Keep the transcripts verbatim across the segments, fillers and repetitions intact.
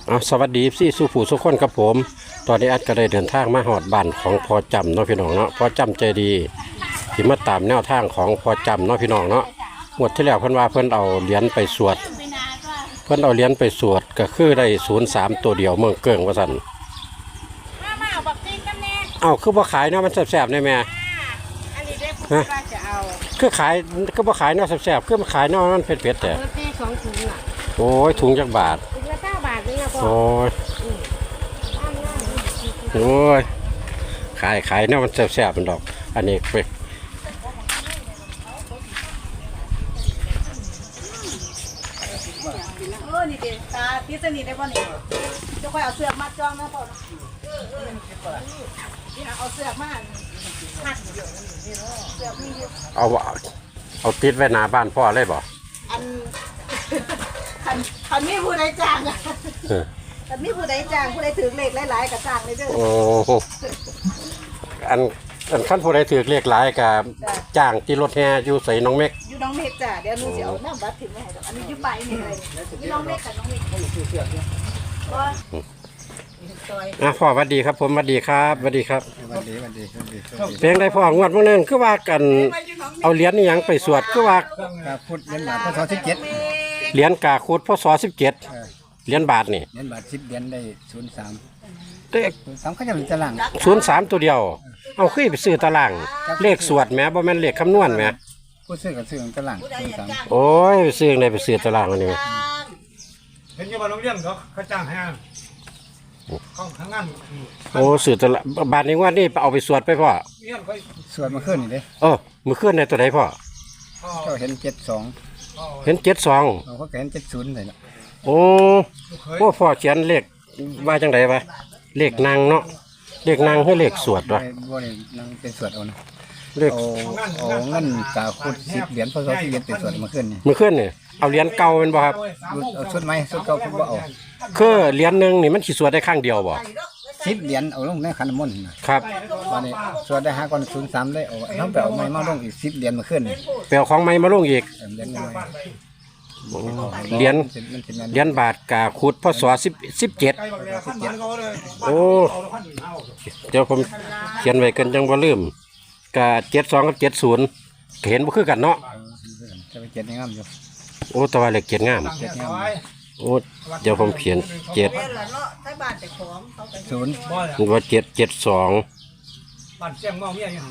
อ่ะสวัสดีพี่สุผู้สุขคนครับผมตอนนี้อัดก็ได้เดินทางมาหอดบ้านของพอจำเนาะพี่น้องเนาะพอจำใจดีที่มาตามแนวทางของพอจำเนาะพี่น้องเนาะหมดที่แล้วเพิ่นว่าเพิ่นเอาเหรียญไปสวดเพิ่นเอาเหรียญไปสวดก็คือได้ศูนย์สามตัวเดียวเมืองเกิงว่าสั่นเอ้าคือบ่ขายเนาะมันแซ่บๆได้แม่ฮะคือขายคือบ่ขายเนาะแซ่บๆคือมันขายเนาะมันเผ็ดๆแต่โอ้ยถุงจักบาทโอ้ยโอ้ยขายขายเนี่ยมันแซ่บๆมันดอกอันนี้ไปเออนี่เด็ตาพิษนี่ได้ป่ะนี่จะค่อยเอาเสือกมาจ้องนะพ่อนี่เอาเสือกมาหักเสือกมีอยู่เอาเอาติดไว้หน้าบ้านพ่อเลยบ่อันคันคันมีผู้ใดจ้างอ่ะคันมีผู้ใดจ้างผู้ใดถือเลขหลายๆกับจ้างเลยเด้อโอ้อันอันขั้นผู้ใดถือเรียกหลายกับจ้างที่รถแห่อยู่ใส่น้องเม็กอยู่น้องเมฆจ้ะเดี๋ยวหนูจะเอาน้ำบัตรถึงมาให้อันนี้อยู่ไปนี่เลยอยู่น้องเมฆกับน้องเมฆอ่ะพ่อสวัสดีครับผมสวัสดีครับสวัสดีครับสวัสดีสวัสดีสวัสดีเพลงได้พ่องวดมื้อนึงคือว่ากันเอาเหรียญนี่ยังไปสวดคือว่าพุทธเหรียญบาทพศสิบเจ็ดเหรียญกาคุดพศสิบเจ็ดเหรียญบาทนี่เหรียญบาทสิบเหรียญได้ศูนย์สามเลขสามเขาจะเป็นตารางศูนย์สามตัวเดียวเอาขึ้นไปซื้อตารางเลขสวดแหมบ่แม่นเลขคำนวณแหมผู้ซื้อกับซื้อตารางศูนย์สามโอ้ยซื้อในไปซื้อตารางอันนี้เห็นยังว่าโรงเรียนเขาเขาจ้างให้เขาทางงานโอ้ซื้อตารางบาทนี้ว่านี่เอาไปสวดไปพ่อสวดมาขึ้นนี่เด้เออมื้อคืนในตัวใดพ่อก็เห็นเจ็ดสองเห็นเจ็ดสองเขาก็เห็นเจ็ดศูนย์เลยนะโอ้โหพ่อเขียนเลขว่าจังไดวะเลขนางเนาะเลขนางให้เลขสวดวะบ่ได้นางเป็นสวดเอานะเลขเอาเอาเงินกาคุดสิบเหรียญพศสิบเจ็ดเป็นสวดมาขึ้นนี่มื้อคืนนี่เอาเหรียญเก่าเป็นบ่ครับเอาชุดไหมชุดเก่าคุณบ่เอาคือเหรียญนึงนี่มันสิสวดได้ครั้งเดียวบ่สิบเหรียญเอาลงในขันน้ำมนต์ครับวันนี้สวดได้ห้าก่อนศูนย์สามได้เอาน้องไปเอาไม้มาลงอีกสิบเหรียญมาขึ้นนี่ไปเอาของใหม่มาลงอีกเหรียญเหรียญเหรียญบาทกาคุดพศสิบสิบเจ็ดโอ้เดี๋ยวผมเขียนไว้กันจังบ่ลืมกาเจ็ดสองกับเจ็ดศูนย์เห็นบ่คือกันเนาะจะไปเจ็ดงามอยู่โอ้ตัวเลขเจ็ดงามโอ้เดี๋ยวผมเขียนเจ็ดศูนย์ว่าเจ็ดเจ็ดสองบ้านเสียงเมาเมียยัง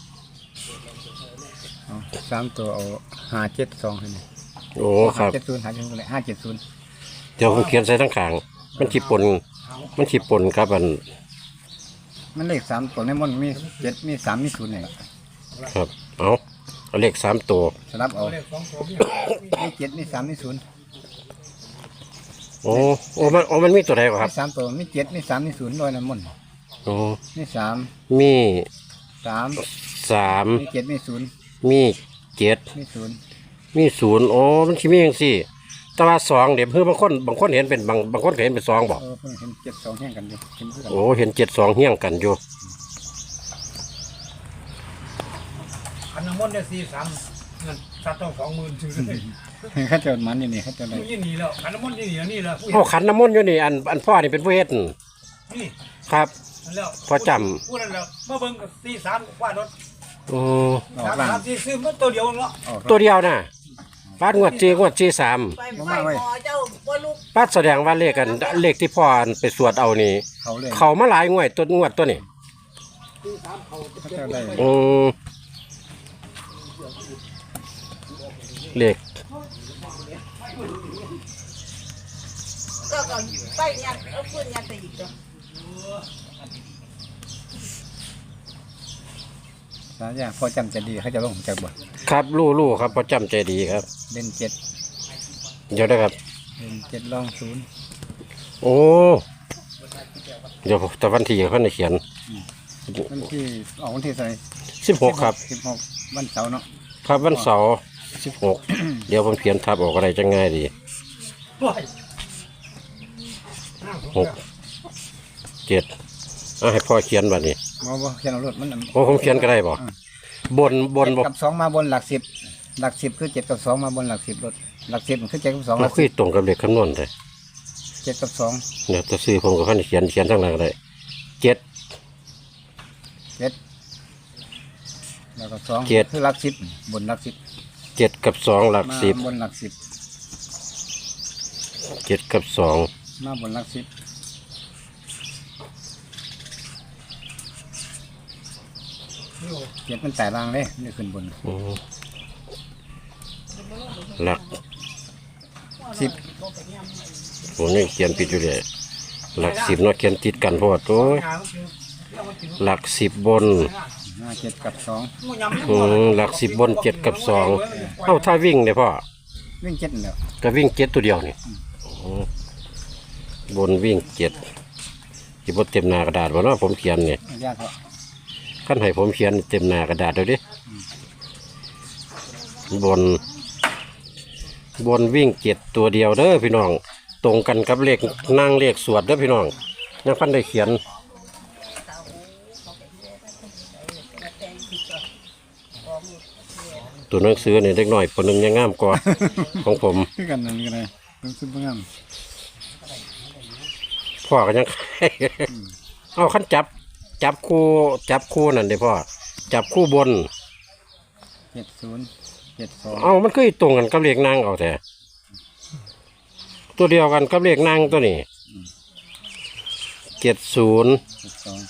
สามตัวเอาห้าเจ็ดสองให้นี่โอ้ครับเจ็ดศูนย์หาเจ็ดศูนย์เลยห้าเจ็ดศูนย์เดี๋ยวผมเขียนใส่ทั้งขางมันขีปนมันขีปนครับอันมันเลขสามตัวในมันมีเจ็ดมีสามมีศูนย์เนี่ยครับเอาเอาเลขสามตัวสลับเอามีเจ็ดมีสามมีศูนย์โอ้โอ้มันโอ้มันมีตัวใดครับสามตัวมีเจ็ดมีสามมีศูนย์ลอยน้ำมันโอ้มีสามมีสามสามมีเจ็ดมีศูนย์มีเจ็ดมีศูนย์มีศูนย์โอ้มันคิดมีอย่างสี่แต่ว่าสองเดี๋ยวเพื่อบางคนบางคนเห็นเป็นบางบางคนเห็นเป็นสองบอกเห็นเจ็ดสองเฮี้ยงกันอยู่โอ้เห็นเจ็ดสองเฮี้ยงกันอยู่ขันน้ำมนต์ได้สี่สามเงินสัตว์ต้องสองหมื่นถึงเลยข้าเจ้ามันนี่นี่ข้าเจ้าอะไรยี่นี่แล้วขันน้ำมนต์ยี่นี่นี่แล้วโอ้ขันน้ำมนต์อยู่นี่อันอันพ่อนี่เป็นผู้เฮ็ดนี่ครับพอจำพูดนั่นแล้วเมื่อเบิ่งสี่สามว่ารถโอ้สามสามสี่ซื้อมันตัวเดียวเนาะตัวเดียวน่ะป้างวดจีงวดจีสามป้าแสดงว่าเลขกันเลขที่พ่อไปสวดเอานี่เขามาหลายงวดตัวงวดตัวนี้อืมเลขก็ก็ไปยัดเอาปืนยัดไปอีกจ้ะสายยาพอจำใจดีเขาจะลงจากบ่ครับลู่ลู่ครับพอจำใจดีครับเล่นเจ็ดเดี๋ยวได้ครับเล่นเจ็ดลองศูนย์โอ้เดี๋ยวแต่วันที่เขาในเขียนวันที่ออกวันที่เท่าไหร่สิบหกครับสิบหกวันเสาร์เนาะครับวันเสาร์สิบหกเดี๋ยวผมเขียนทับออกอะไรจะง่ายดีหกเจ็ดอ่ะให้พ่อเขียนแบบนี้บ่บ่เขียนเอารถมันโอ้ผมเขียนก็ได้บ่บนบนกับสองมาบนหลักสิบหลักสิบคือเจ็ดกับสองมาบนหลักสิบรถหลักสิบมันคือเจ็ดกับสองมันคือตรงกับเลขคำนวณเลยเจ็ดกับสองเนี่ยจะซื้อผมกับขั้นเขียนเขียนทั้งนั้นเลยเจ็ดเจ็ดแล้วก็สองเจ็ดคือหลักสิบบนหลักสิบเจ็ดกับสองหลักมาสิบบนหลักสิบเจ็ดกับสองมาบนหลักสิบเจ็ดมันแต่ล่างเลยนี่ขึ้นบนอืมหลักสิบผมนี่เขียนผิดอยู่เลยหลักสิบเนาะเขียนติดกันเพราะว่าโอ้ยหลักสิบบนมาเจ็ดกับสองอืมหลักสิบบนเจ็ดกับสองเอ้าถ้าวิ่งเนี่ยพ่อวิ่งเจ็ดเดียวก็วิ่งเจ็ดตัวเดียวนี่อ๋อบนวิ่งเจ็ดที่บนเต็มหน้ากระดาษวะเนาะผมเขียนเนี่ยยากเหรอขั้นให้ผมเขียนเต็มหน้ากระดาษเดี๋ยวดิบน บนวิ่งเจ็ดตัวเดียวเด้อพี่น้อง ตรงกันกับเลขนั่งเลขสวดเด้อพี่น้องยังพันได้เขียนตัวหนังสือเนี่ยเล็กหน่อยคนหนึ่งยังงามกว่า ของผมคือกันนั่นกันเลยต้องซื้อเพื่อนพ่อก็ยัง เอาขั้นจับ จับคู่จับคู่นั่นเด้พ่อจับคู่บนเจ็ดศูนย์เจ็ดสองเอามันคือตรงกันกับเลขนางเอาแต่ตัวเดียวกันกับเลขนางตัวนี้เจ็ดศูนย์เจ็ดสอง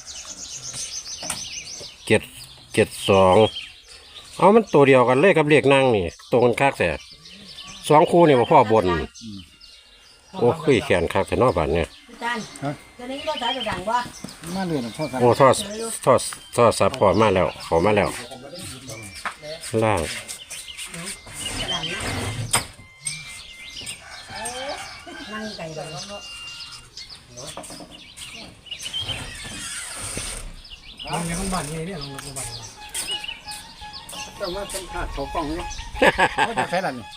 เจ็ดเจ็ดสองเอามันตัวเดียวกันเลขกับเลขนางนี่ตรงกันคักแต่สองคู่นี่มาพ่อบนโอ้คุยแขนคักแต่นอกบ้านเนี่ยจานจะนี้ก็สายจะดังว่ามาเลยนะพ่อครับโอ้ทอดทอดทอดสับพอมาแล้วขอมาแล้วล่างนั่งไก่กันลงในข้างบ้านนี่เนี่ยลงในข้างบ้านเจ้ามาเป็นขาดเขากล้องเนี่ยเขาจะใช้อะไรนี่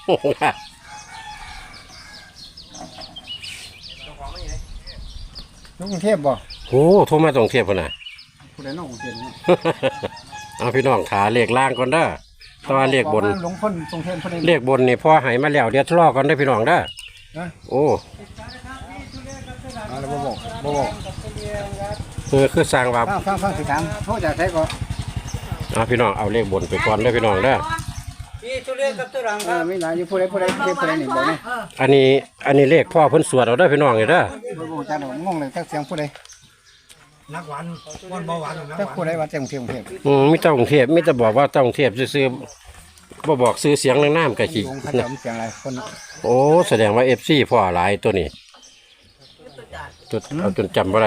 ลูกกรุงเทพบ่โอ้โทรมาตรงเทียบกันนะผู้ใดน้องกรุงเทพเนี่ยเอาพี่น้องขาเลขล่างก่อนเด้อแตว่าเลขบนหลวงพ่นกรุงเทพผู้ใดเลขบนนี่พ่อใหายมาแล้วเดี๋ยวทะเลาะกันได้อพี่น้องเด้อนะโอ้เอาแล้วบ่บอกบ่บอกคือคือสร้างว่าฟังฟังฟังสิถามเขาจะใช้ก็เอาพี่น้องเอาเลขบนไปก่อนได้อพี่น้องเด้อเออไม่หลายอยู่ผู้ใดผู้ใดเทพผู้ใดนี่บอกนี่อันนี้อันนี้เลขพ่อเพิ่นสวดเอาเด้อพี่น้องนี่เด้อบ่บอกจังงงเลยจักเสียงผู้ใดนักหวานก้อนเบาหวานนักจักหวาผู้นใดว่าจังกรุงเทพกรุงเทพอืมมีแต่กรุงเทพมีแต่บอกว่าต้องเทพซื่อๆบ่บอกซื้อเสียงนางน้ำกะจิวงเขาจะมีเสียงอะไรคนโอ้แสดงว่า เอฟ ซี พ่อหลายตัวนี้ตัวเอาจนจำบ่ได้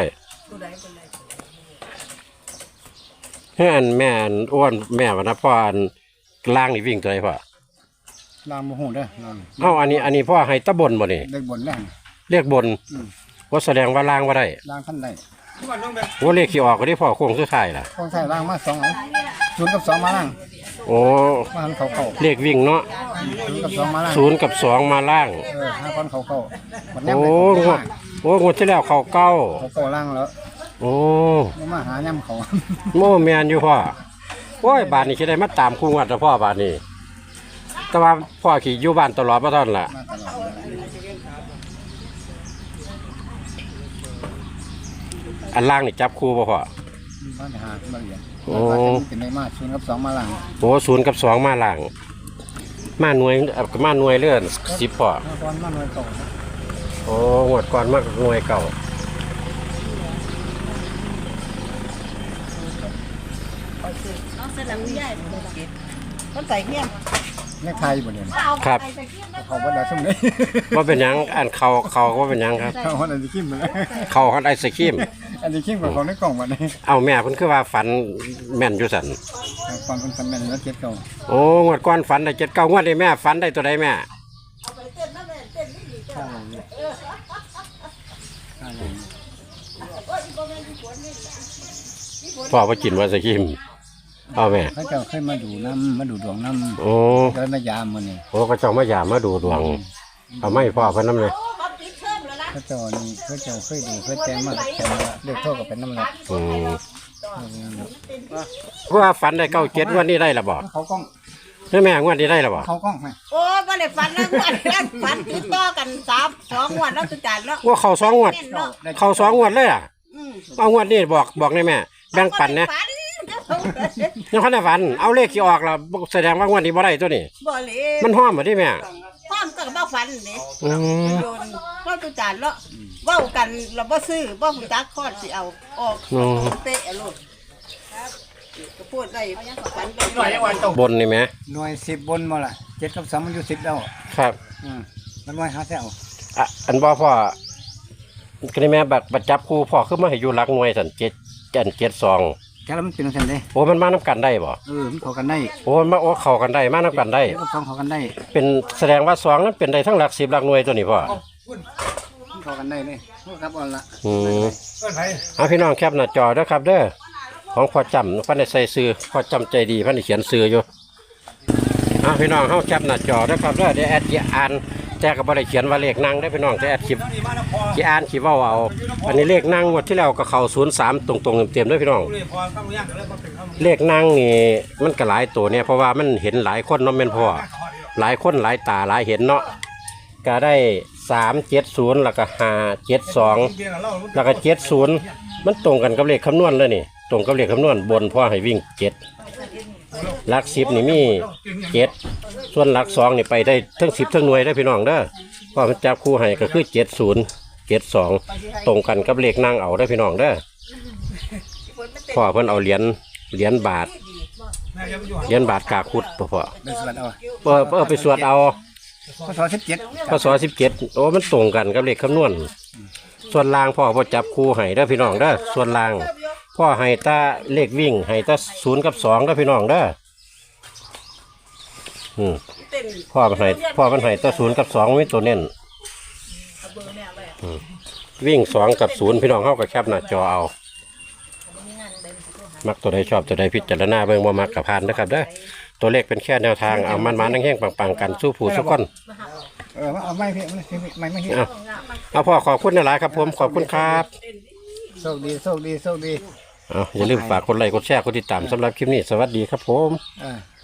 เฮ้ยอันแม่อันอ้วนแม่ว่านะพ่ออันล่างนี่วิ่งตัวไหนพ่อลามโมโหเด้อลามเอ้าอันนี้อันนี้พ่อให้ตะบนบ่นี่เด็กบนแรงเรียกบนว่าแสดงว่าล่างว่าได้ล่างขั้นได้บ้านน้องแบบว่าเลขที่ออกก็ได้พ่อโค้งสุดท้ายล่ะต้องใช้ล่างมาสองเอาศูนย์กับสองมาล่างโอ้มาหันเขาเข้าเลขวิ่งเนาะศูนย์กับสองมาล่างศูนย์กับสองมาล่างเออห้าคนเขาเข้าหมดแนมโอ้เลยงวดโอ้งวดที่แล้วเขาเก้าเขาเข้าล่างแล้วโอ้บ่มาหาย่ำเขาโมแมนอยู่พ่อโอ้ยบาทนี้คิดได้มาตามคู่งวดแล้วพ่อบาทนี้แต่ว่าพ่อขี่อยู่บ้านตลอดมาตอนล่ะมาตลอดอันล่างนี่จับคู่ป่ะพ่อบ้านหามาเรียนโอ้เป็นในมาศูนย์กับสองมาล่างโอ้ศูนย์กับสองมาล่าง มาหน่วยเอ่อมาหน่วยเลื่อนสิบพ่อห้าคนมาหน่วยเก่าโอ้งวดก่อนมาหน่วยเก่าน้องเสลังใหญ่ต้นใส่เงี้ยแม่ไทยบ่เนี่ยครับเขาบ่ได้สมเลยว่าเป็นหยังอันเขาเขาก็ว่าเป็นหยังครับเขาอันนี้ขิมไปแล้วเขาฮอตไอศครีมอันนี้ขิมกับของในกล่องวันนี้เอาแม่เพิ่นคือว่าฝันแม่นอยู่สันความเป็นสำเร็จแล้วเจ็ดเก่าโอ้งวดก่อนฝันได้เจ็ดเก้างวดได้แม่ฝันได้ตัวใดแม่ข้าวเนี่ยข้าวเนี่ยพ่อว่ากินไอศครีมเอาแม่เขาเจ้าเคยมาดูน้ำมาดูดวงน้ำโอ้ก็เลยมายามมันนี่โอ้ก็เจ้ามายามมาดูดวงเอาไม่พ่อเพิ่นน้ำเลยเขาเจ้านี่เขาเจ้าเคยดูเคยแจ้งมาแต่ว่าเลือกโทษกับเป็นน้ำละอืมเพราะว่าฝันได้เก้าเจ็ดวันนี้ได้ละบ่เขากล้องแล้วแม่งวดนี้ได้แล้วบ่เขากล้องไหมโอ้บ่ได้ฝันแล้วงวดนั้นฝันติดต่อกันสามสองงวดแล้วตุจานแล้วว่าเขาสองงวดเน้นเนาะเขาสองงวดเลยอ่ะอืมเอางวดนี้บอกบอกได้แม่แบ่งปันนะฝันยังคันได้ฝันเอาเลขที่ออกแล้วแสดงว่างวดนี้บ่ได้ตัวนี้บ่เลยมันห้อมบ่ได้แม่ความก็บ่ฝันนี่อืมโดนก็ตุจานแล้วเว้ากันเราบ่ซื้อบ่ฮู้จักคอดสิเอาออกอืมเตะอะลูกครับก็พูดได้ฝันไปหน่อยยังวันตกบนนี่แม่หน่วยสิบบนมาละเจ็ดกับสองมันอยู่สิบแล้วครับอืมมันหน่วยหาแซวอ่ะอันบ่พ่อก็นี่แม่บัตรบัตรจับคู่พ่อคือมาให้อยู่หลักหน่วยสั่นเจ็ดจันเจ็ดสองแค่แล้วมันเป็นอะไรเด้โอ้มันมานํกันได้บ่เออมันเข้ากันได้โอ้มันมาโอ้เข้ากันได้มานํกันได้เจ็ดกับสองเข้ากันได้เป็นแสดงว่าสองนั้นเป็นได้ทั้งหลักสิบหลักหน่วยตัวนี้พ่อมันเข้ากันได้เลยครับเอาละอืมเอิ้นไผเอาพี่น้องแคปหน้าจอเด้อครับเด้อของพ่อจำเพันได้ใส่ซื้อพ่อจำใจดีเพันได้เขียนซื้ออยู่เอาพี่น้องเฮาแคปหน้าจอเด้อครับเด้อเดี๋ยวแอดสิอ่านแต่ก็บ่ได้เขียนว่าเลขนั่งได้อพี่น้องแต่แอดคลิปนี่มาแล้วพอสิอ่านสิเว้าเอาอันนี้เลขนั่งงวดที่แล้วก็เข้าศูนย์สามตรงๆเต็มๆเด้อพี่น้องเลยพอต้องย่างก็เลยมาเป็นคำเลขนั่งนี่มันก็หลายตัวเนี่ยเพราะว่ามันเห็นหลายคนเนาะแม่นพ่อหลายคนหลายตาหลายเห็นเนาะก็ได้สามเจ็ดศูนย์แล้วก็ห้าเจ็ดสองแล้วก็เจ็ดศูนย์มันตรงกันกับเลขคำนวณเลยนี่ตรงกับเลขคำนวณบนพ่อให้วิ่งเจ็ดหลักสิบนี่มีเจ็ดส่วนหลักสองนี่ไปได้ทั้งสิบทั้งหน่วยได้อพี่น้องเด้อพ่อมันจับคู่ให้ก็คือเจ็ดศูนย์เจ็ดสองตรงกันกับเลขนั่งเอาได้อพี่น้องเด้อพ่อเพิ่นเอาเหรียญเหรียญบาทแม่ยังอยู่เหรียญบาทกาคุดพ่อพ่อเป็นส่วนเอาเออเออไปสวดเอาพศสิบเจ็ดพศสิบเจ็ดโอ้มันตรงกันกับเลขคำนวณส่วนล่างพ่อพ่อจับคู่ให้เด้อพี่น้องเด้อส่วนล่างพ่อให้ตาเลขวิ่งให้ตาศูนย์กับสองเด้อพี่น้องเด้ออืมเต้นพ่อมันให้พ่อมันให้ตาศูนย์กับสองมีตัวเน้นอืมวิ่งสองกับศูนย์พี่น้องเข้ากับแคบหน้าจอเอามักตัวใดชอบตัวใดพิจารณาเบิ่งบ่มักกับพานนะครับเด้อตัวเลขเป็นแค่แนวทางเอามันมานั่งแห้งปังๆกันสู้ผู้สู้คนเออเอาไม่พี่ไม่ไม่ไม่พี่เอาเอาพ่อขอบคุณหลายๆครับผมขอบคุณครับโชคดีโชคดีโชคดีเอาอย่าลืมฝากกดไลค์กดแชร์กดติดตามสำหรับคลิปนี้สวัสดีครับผมเออ